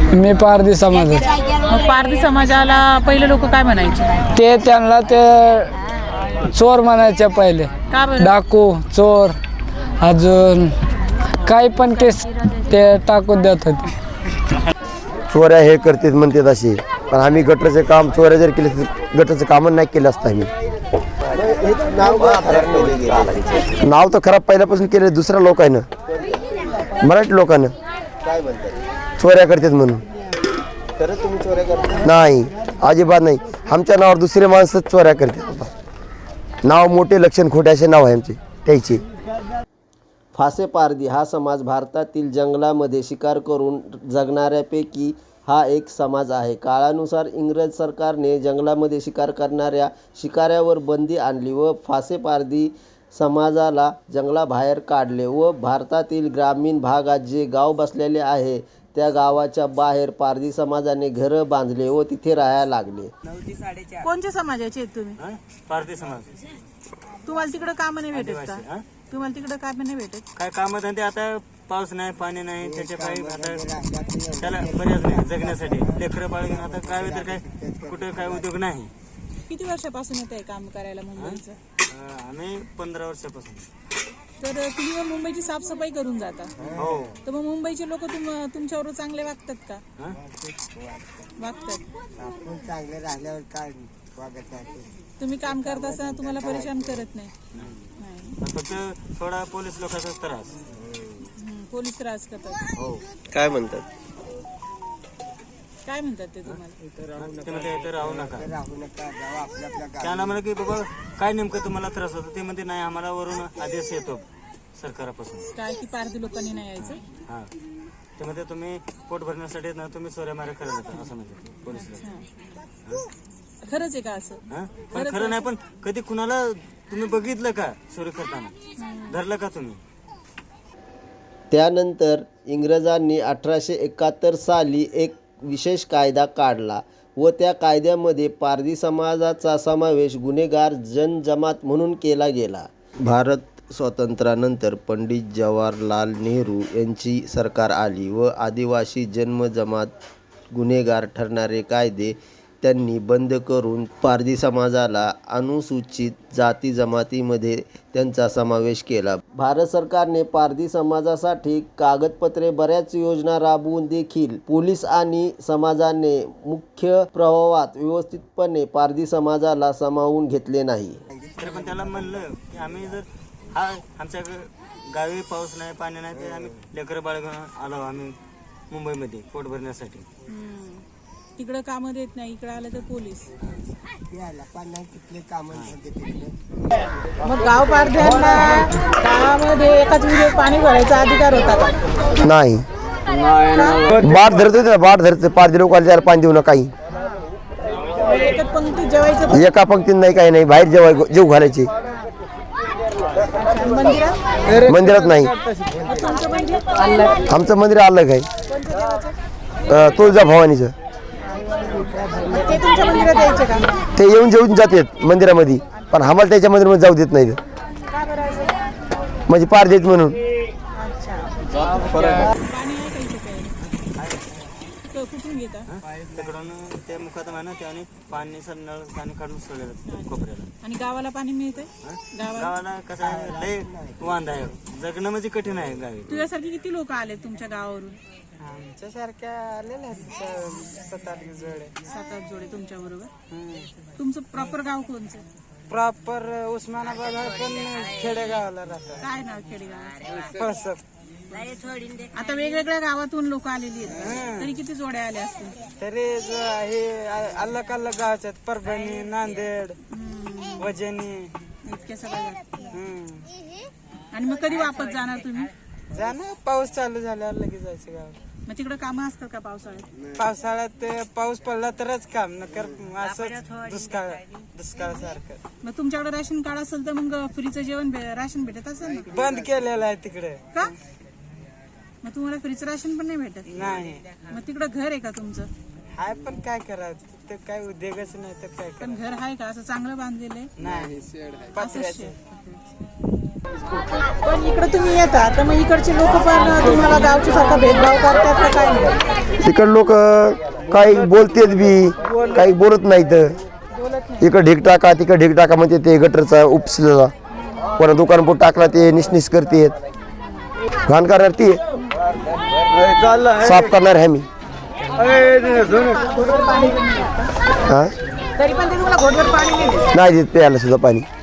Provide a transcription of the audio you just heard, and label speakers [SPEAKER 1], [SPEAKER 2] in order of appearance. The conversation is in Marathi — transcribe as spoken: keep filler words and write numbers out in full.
[SPEAKER 1] मी पारधी समाजाचे.
[SPEAKER 2] मग पारधी समाजाला पहिले लोक काय म्हणायचे?
[SPEAKER 1] ते त्यांना ते चोर म्हणायचे पहिले.
[SPEAKER 2] का बरं?
[SPEAKER 1] डाकू, चोर, अजून काही पण केस ते टाकून देत होते.
[SPEAKER 3] चोऱ्या हे करतात म्हणतात असे, पण आम्ही गटरचे काम चोऱ्या जर केले तर गटरचं काम नाही केलं असतं आम्ही. नाव तर खराब पहिल्यापासून केलं दुसऱ्या लोकांना, मराठी लोकांना चोऱ्या करतात म्हणून. नाही, अजिबात नाही. आमच्या नावावर दुसरे माणसं चोऱ्या करतात. नाव मोठे लक्षण खोटे असे नाव आहे आमचे त्याचे.
[SPEAKER 4] फासे पारधी हा समाज भारतातील जंगलामध्ये शिकार करून जगणाऱ्यापैकी हा एक समाज आहे. काळानुसार इंग्रज सरकारने जंगलामध्ये शिकार करणाऱ्या शिकाऱ्यावर बंदी आणली व फासे पारधी समाजाला जंगलाबाहेर काढले व भारतातील ग्रामीण भागात जे गाव बसलेले आहे त्या गावाच्या बाहेर पारधी समाजाने घरं बांधले व तिथे राहायला लागले.
[SPEAKER 2] कोणत्या समाजाचे आहेत तुम्ही?
[SPEAKER 5] पारधी समाज.
[SPEAKER 2] तुम्हाला तिकडे काम नाही भेटत का? तुम्हाला तिकडे काम नाही भेटत?
[SPEAKER 5] काय काम धंदे आता पाऊस नाही, पाणी नाही, त्याच्या काही आता त्याला पर्याय नाही जगण्यासाठी. लेकरं बाळ घेऊन आता काय तर काय कुठे काय उद्योग नाही.
[SPEAKER 2] किती वर्षापासून येत आहे काम करायला मुंबईचं?
[SPEAKER 5] अं, आम्ही पंधरा वर्षापासून.
[SPEAKER 2] तर तुम्ही मग मुंबईची साफसफाई करून जाता.
[SPEAKER 5] हो.
[SPEAKER 2] तर मग मुंबईचे लोक तुम तुमच्यावर चांगले वागतात का?
[SPEAKER 5] हं?
[SPEAKER 2] वागतात.
[SPEAKER 6] आपण चांगले राहिल्यावर काय वागत नाही.
[SPEAKER 2] तुम्ही काम करत असताना तुम्हाला परेशान करत नाही? नाही.
[SPEAKER 5] फक्त थोडा पोलीस लोकांचा त्रास.
[SPEAKER 2] हम्म, पोलीस त्रास करतात.
[SPEAKER 5] हो.
[SPEAKER 4] काय म्हणतात?
[SPEAKER 2] काय म्हणतात ते तुम्हाला?
[SPEAKER 5] ते म्हणते इथं राहू नका.
[SPEAKER 6] राहू नका, जाऊ आपल्या आपल्या गावी.
[SPEAKER 5] त्यांना म्हणलं की बाबा काय नेमकं तुम्हाला त्रास होतो? ते म्हणते नाही, आम्हाला वरून आदेश येतो सरकारापासून.
[SPEAKER 2] काय की पारधी लोकांनी नाही यायचं?
[SPEAKER 5] हा, ते म्हणते तुम्ही पोट भरण्यासाठी ना तुम्ही चोऱ्या माऱ्या करायला लागता असं म्हणते पोलीस.
[SPEAKER 2] खरंच आहे का असं?
[SPEAKER 5] हा? पण खरं नाही, पण कधी कुणाला तुम्ही बघितलं का चोरी करताना? धरलं का तुम्ही?
[SPEAKER 4] त्यानंतर इंग्रजांनी अठराशे एकाहत्तर साली एक विशेष कायदा काढला व त्या कायद्यामध्ये पारधी समाजाचा समावेश गुन्हेगार जनजमात म्हणून केला गेला. भारत स्वातंत्र्यानंतर पंडित जवाहरलाल नेहरू यांची सरकार आली व आदिवासी जन्मजमात गुन्हेगार ठरणारे कायदे त्यांनी बंद करून पारधी समाजाला अनुसूचित जाती जमातीमध्ये त्यांचा समावेश केला. भारत सरकारने पारधी समाजासाठी कागदपत्रे बऱ्याच योजना राबवून देखील पोलीस आणि समाजाने मुख्य प्रवाहात व्यवस्थितपणे पारधी समाजाला सामावून घेतले नाही.
[SPEAKER 5] तर पण त्याला म्हणलं की आम्ही जर हा आमच्या ग- गावी पाऊस नाही, पाणी नाही, ते आम्ही लेकरं बाळ घेऊन आलो आम्ही मुंबईमध्ये पोट भरण्यासाठी.
[SPEAKER 2] तिकडं कामं देत नाही, इकडे आलं तर पोलीस.
[SPEAKER 6] यायला पाणी तिथले काम तिथले.
[SPEAKER 2] मग गाव पारध्यांना गावामध्ये एकाच विहिरीत पाणी भरायचा अधिकार होता का?
[SPEAKER 3] नाही, बाट धरत होते ना, बाट धरत पारधी लोक आले त्याला पाणी देऊ नका. काही
[SPEAKER 2] एकच पंक्तीत जेवायचं.
[SPEAKER 3] एका पंक्तीत नाही, काही नाही. बाहेर जेवाय जेव घालायचे.
[SPEAKER 2] मंदिरात
[SPEAKER 3] मंदिरात नाही.
[SPEAKER 2] तुमचं मंदिर
[SPEAKER 3] आमचं मंदिर अलग आहे, अं, तुळजा भवानीचं.
[SPEAKER 2] ते तुमच्या मंदिरात यायचे का?
[SPEAKER 3] ते येऊन जेवून जातात मंदिरामध्ये, पण आम्हाला त्याच्या मंदिरामध्ये जाऊ देत नाही.
[SPEAKER 2] का बरं असं?
[SPEAKER 3] म्हणजे पार देत म्हणून.
[SPEAKER 2] पाणी आहे का इथे प्यायला? क- कुठून घेता?
[SPEAKER 5] तिकडून ते मुखात आहे ना त्याने पाणी सर नळ पाणी काढून सोडलेलं कोपऱ्याला.
[SPEAKER 2] आणि गावाला पाणी मिळतंय? गावाला
[SPEAKER 5] गावाला कसं आहे, लय वांदा आहे, जगणं म्हणजे कठीण आहे गावी.
[SPEAKER 2] तुझ्यासारखे किती लोक आले तुमच्या गावावरून?
[SPEAKER 6] आमच्यासारख्या आलेल्या सात आठ जोडे.
[SPEAKER 2] सात आठ जोडे तुमच्या बरोबर. तुमचं प्रॉपर गाव कोणचं?
[SPEAKER 6] प्रॉपर उस्मानाबाद आहे, पण खेडेगावाला राहतात.
[SPEAKER 2] काय नाव खेडेगाव?
[SPEAKER 6] फळसप.
[SPEAKER 2] आता वेगवेगळ्या गावातून लोक आलेली आहेत, तरी किती जोड्या आल्या असतील?
[SPEAKER 6] तरी जो हे अलग अलग गावाचे आहेत. परभणी, नांदेड, वजनी.
[SPEAKER 2] इतक्या सगळ्या.
[SPEAKER 6] हम्म.
[SPEAKER 2] आणि मग कधी वापस जाणार तुम्ही?
[SPEAKER 6] जाणं पाऊस चालू झाल्यावर लगेच जायचं गावात.
[SPEAKER 2] मग तिकडे कामं असतात का पावसाळ्यात?
[SPEAKER 6] पावसाळ्यात पाऊस पडला तरच काम, नकर असंच दुष्काळ दुष्काळासारखं.
[SPEAKER 2] मग तुमच्याकडे राशन कार्ड असेल तर मग फ्रीचं जेवण भे- राशन भेटत असेल ना?
[SPEAKER 6] बंद केलेलं आहे तिकडे.
[SPEAKER 2] का? मग तुम्हाला फ्रीचं राशन पण नाही भेटत?
[SPEAKER 6] नाही.
[SPEAKER 2] मग तिकडं घर आहे का तुमचं?
[SPEAKER 6] हाय, पण काय करायचं, तर काय उद्योगच नाही तर काय
[SPEAKER 2] पण
[SPEAKER 6] करायचं.
[SPEAKER 2] घर आहे का असं चांगलं बांधलेलं आहे?
[SPEAKER 6] नाही,
[SPEAKER 2] असंच
[SPEAKER 6] पत्र्याचे.
[SPEAKER 2] शेत. पण इकडे तुम्ही येता तर मग इकडचे लोक पण तुम्हाला गावच्या सारखा भेदभाव करतात का काय नाही?
[SPEAKER 3] इकडे लोक काही बोलतेत बी काही बोलत नाहीत. इकडं ढीक टाका तिकडं ढीक टाका म्हणजे ते गटरचा उपसलेला कोणा दुकान पोट टाकला ते निसनिस करतेत, घाण करणार ती साफ करणार आहे मी.
[SPEAKER 2] घोटभर पाणी पण नाही येत का?
[SPEAKER 3] हा
[SPEAKER 2] तरी पण ते तुम्हाला घोटभर पाणी नाही देत.
[SPEAKER 3] नाही देत प्यायला सुद्धा पाणी.